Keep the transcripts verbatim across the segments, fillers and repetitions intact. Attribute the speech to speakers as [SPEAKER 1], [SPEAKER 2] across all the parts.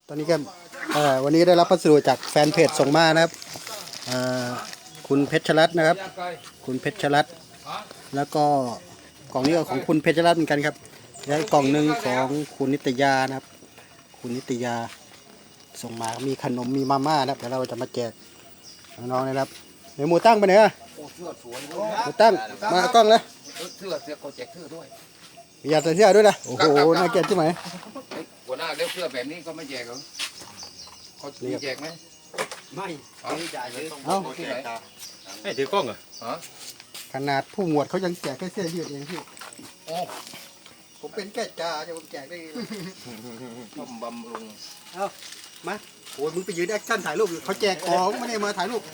[SPEAKER 1] ตอนนี้ก็วันนี้ได้รับพัสดุจากแฟนเพจส่งมานะครับคุณเพชรรัตน์นะครับคุณเพชรรัตน์แล้วก็กล่องนี้ก็ของคุณเพชรรัตน์เหมือนกันครับแล้วกล่องหนึ่งของคุณนิตยานะครับคุณนิตยาส่งมามีขนมมีมาม่านะครับเดี๋ยวเราจะมาแจกน้องๆนะครับเดี๋ยวหมูตั้งไปไหนอ่ะหมูตั้งมากล้องเลย
[SPEAKER 2] เสื้อเสื้อเขาแจกเสื้อด้วย
[SPEAKER 1] อยากใส่เสื้อด้วยนะโอ้โหน่าเกลียดใช่ไหม
[SPEAKER 2] หัวหน้าเลี้ยเสื้อแบบนี้ก็ไม่แจกเหรอเขามีแจกไหม
[SPEAKER 3] ไม่ไม่จ่ายเลย
[SPEAKER 1] เอ้า
[SPEAKER 2] ที่ไหน
[SPEAKER 3] ให้ถือกล้องเหรอ
[SPEAKER 2] ฮะ
[SPEAKER 1] ขนาดผู้หมวดเขายังแจกแค่เสื้อยืดเองพี่
[SPEAKER 2] โอ้
[SPEAKER 1] ผมเป็นแก่จ่าจะผมแจกได้ไง
[SPEAKER 2] ต้มบำรุง
[SPEAKER 1] เอ้ามาโอ้ยมึงไปยืนแอคชั่นถ่ายรูปเขาแจกของไม่ได้มาถ่ายรูป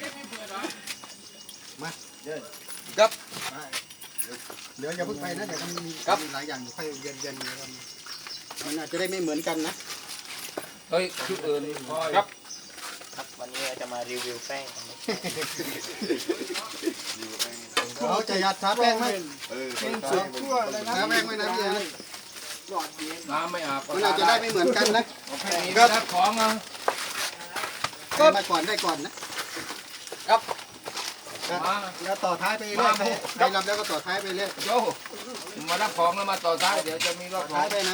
[SPEAKER 1] มาเดิน
[SPEAKER 2] ครับ
[SPEAKER 1] เดี๋ยวอย่าเพิ่งไปนะเดี๋ยวมันมีหลายอย่างค่อยเย็นเย็นมันอาจจะได้ไม่เหมือนกันนะ
[SPEAKER 2] เฮ้ยชุดอื่นครับ
[SPEAKER 3] ครับวันนี้เราจะมารีวิวแป้งกัน
[SPEAKER 1] เราจะยัดทาแป้งไหมเออแป้งสวยทั่วเลยนะแป้งไม่นะพี่นะ
[SPEAKER 2] น้ำไม่อาบ
[SPEAKER 1] มันอาจจะได้ไม่เหมือนกันนะ
[SPEAKER 2] ก็รับของอ่ะ
[SPEAKER 1] ก็มาก่อนได้ก่อนนะครับมาแล้วต่อท้ายไปเรื่อยไปไปรับแล้วก็ต่อท้ายไปเรื่อย
[SPEAKER 2] โย่มารับของแล้วมาต่อท้ายเดี๋ยวจะมีรอบ
[SPEAKER 1] ท้ายไปนะ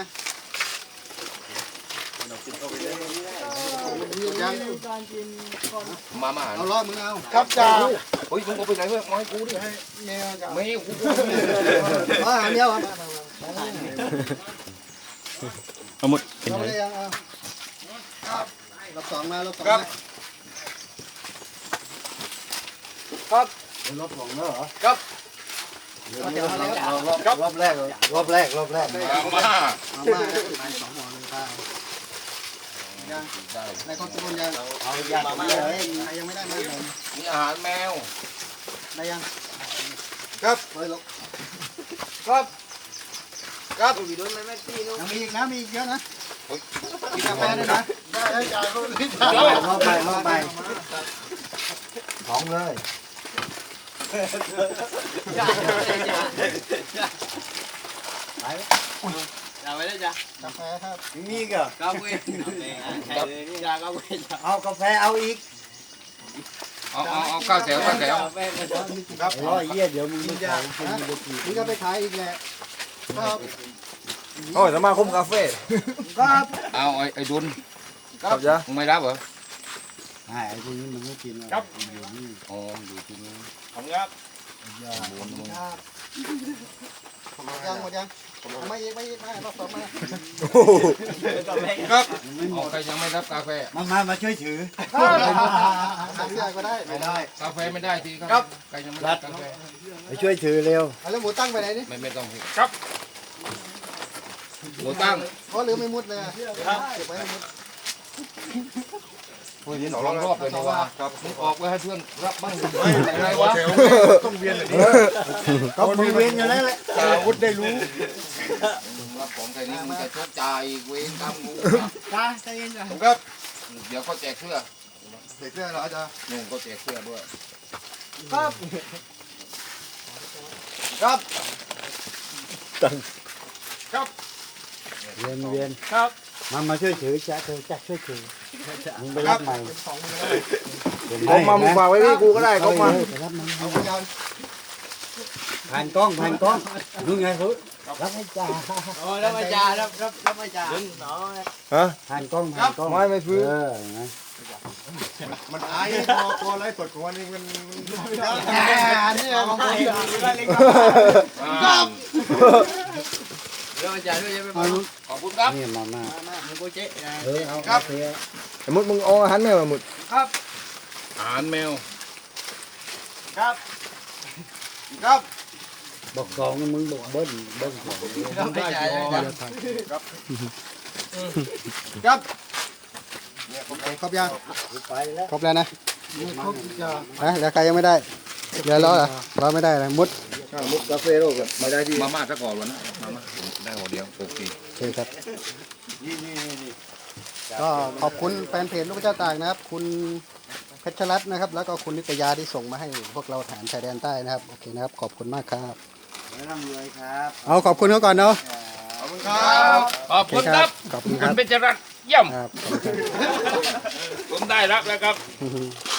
[SPEAKER 1] ยัง
[SPEAKER 2] มามา
[SPEAKER 1] เอาล้อมึงเอา
[SPEAKER 2] ครับจ้าเฮ้ยมึงเอาไปไหนเพื่อนมาให้กูดิให้แมวจ้าไม่กู
[SPEAKER 1] อ๋อหาเมียวครับ
[SPEAKER 3] เอาหมด
[SPEAKER 1] เป็นไงครับรอบสองมารอบสอง
[SPEAKER 2] ครับ
[SPEAKER 1] รอบสองแล้วเหรอ
[SPEAKER 2] ครับ
[SPEAKER 1] รอบแรกรอบแรกรอบแรก
[SPEAKER 2] มามา
[SPEAKER 1] มามาสองหม้อเลยป้ายังในคอนโทรลยังเอายังมาเลยยังไม่ได้มาเลย
[SPEAKER 2] มีอาหารแมว
[SPEAKER 1] ได้ยัง
[SPEAKER 2] ครับ
[SPEAKER 1] เฮ้ยลูก
[SPEAKER 2] ครับครับ
[SPEAKER 1] ยังมีอีกนะมีอีกเยอะนะกินกาแฟด้วยนะได้จ่ายรอบไปรอบไปของเลยไป
[SPEAKER 3] เอาไว้ได้จ้ะ
[SPEAKER 1] กาแฟครับ
[SPEAKER 3] มีก็
[SPEAKER 2] กาแฟ
[SPEAKER 1] เอากาแฟเอาอีก
[SPEAKER 2] เอาเอาเอาข้าวแถวข้าวแถว
[SPEAKER 1] ครับร้อยเยี่ยเดี๋ยวมึงจะมึงจะไปขายอีกแหละครับ
[SPEAKER 3] โอ้ยสมาคมกาแฟ
[SPEAKER 1] ครับ
[SPEAKER 2] เอาไอ้ไอ้ดุล
[SPEAKER 3] ครับจ้ะ
[SPEAKER 2] มึงไม่รับเหรอ
[SPEAKER 1] ไอ้พวกนี้มึงไม่กิน
[SPEAKER 2] ครับอ๋ออยู่ที่นี่
[SPEAKER 3] ผมครับ
[SPEAKER 1] ยังหมดยังไม่อีกไม่อีกไม่รอบสองมา
[SPEAKER 2] ครับเอาใครยังไม่รับกาแฟ
[SPEAKER 1] มามามาช่วยถือใส่เสื้อก็ได้
[SPEAKER 2] ไม่ได้กาแฟไม่ได้ทีครับใครยังไม่รับกาแฟ
[SPEAKER 1] ไปช่วยถือเร็วแล้วหมูตั้งไปไหนนี่
[SPEAKER 2] ไม่ไม่ต้องครับหมูตั้ง
[SPEAKER 1] เพราะหรือไม่มุดเลยครับเก็บไว้ไม่มุด
[SPEAKER 2] พูดยินสองรอบเลยนะว่าครับมึงออกไว้ให้เพื่อนรับบ้างอะไรวะ
[SPEAKER 3] ต้องเวียนแบบนี้
[SPEAKER 1] ก็มึงเวียนอยู่แล้วแหละ
[SPEAKER 3] อาวุธได้รู้
[SPEAKER 2] รับของแค่นี้มึงจะชดจ่ายเวรกรรมกู
[SPEAKER 1] จ้าใจเย็นจ้ะ
[SPEAKER 2] ครับเดี๋ยวเขาแจกเสื้อ
[SPEAKER 1] แจกเสื้อเหรอจ๊ะ
[SPEAKER 2] นุ่งเขาแจกเสื้อด้วย
[SPEAKER 1] ครับ
[SPEAKER 2] ครับ
[SPEAKER 3] ตั้ง
[SPEAKER 2] ครับ
[SPEAKER 1] เวียนเวียน
[SPEAKER 2] ครับ
[SPEAKER 1] มามาช่วยถือจ้าเธอจ้าช่วยถือมึงไปรับใหม่
[SPEAKER 3] ผมมามึงฝากไว้พี่กูก็ได้เขามา
[SPEAKER 1] ผ่านกล้องผ่านกล้องดูไงคุณรับให้จ่า
[SPEAKER 3] โอ้รับให้จ่ารับรับรับให้จ่า
[SPEAKER 1] ฮะผ่านกล้องผ่านกล้อง
[SPEAKER 3] ไม่ไม่ฟื้น
[SPEAKER 1] มันอายพอพอไล่สดของวันนี้มันนี่ของใคร
[SPEAKER 2] ครับ
[SPEAKER 3] เรื่องจ่าด้วยยังไม่
[SPEAKER 2] ขอบคุณครับ
[SPEAKER 1] นี่มามา
[SPEAKER 3] มึงโกเจ๊
[SPEAKER 1] เออเอาครับ
[SPEAKER 3] สมมติมึงเอาอาหารแมวมาหมด
[SPEAKER 2] ครับอาหารแมว
[SPEAKER 1] ครับครับบอกสองมึงบอกเบิ้ลเบิ้ลสอง
[SPEAKER 2] ครับได้จ่ายครับ
[SPEAKER 1] ครับครบยังครบแล้วนะครบยังนะแล้วใครยังไม่ได้เดี๋ยวรอเหรอรอไม่ได้เลยมุด
[SPEAKER 3] มุดกาแฟโร่กับมาได้ที่
[SPEAKER 2] มาม่าซะก่อนวะนะมาม่าได้หัวเดียวโอเค
[SPEAKER 1] โอเคครับก็ขอบคุณแฟนเพจลูกเจ้าตากนะครับคุณเพชรรัตน์นะครับแล้วก็คุณนิตยาที่ส่งมาให้พวกเราฐานชายแดนใต้นะครับโอเคนะครับขอบคุณมากครับร่ำรวยครับเอาขอบคุณเขาก่อนเนาะ
[SPEAKER 2] ขอบคุณครับขอบคุณครับ
[SPEAKER 1] ขอบคุณค
[SPEAKER 2] รับเป็นจรัตเยี่ยม
[SPEAKER 1] ครับขอบคุณครับ
[SPEAKER 2] ผมได้รับแล้วครับ
[SPEAKER 1] อือฮึ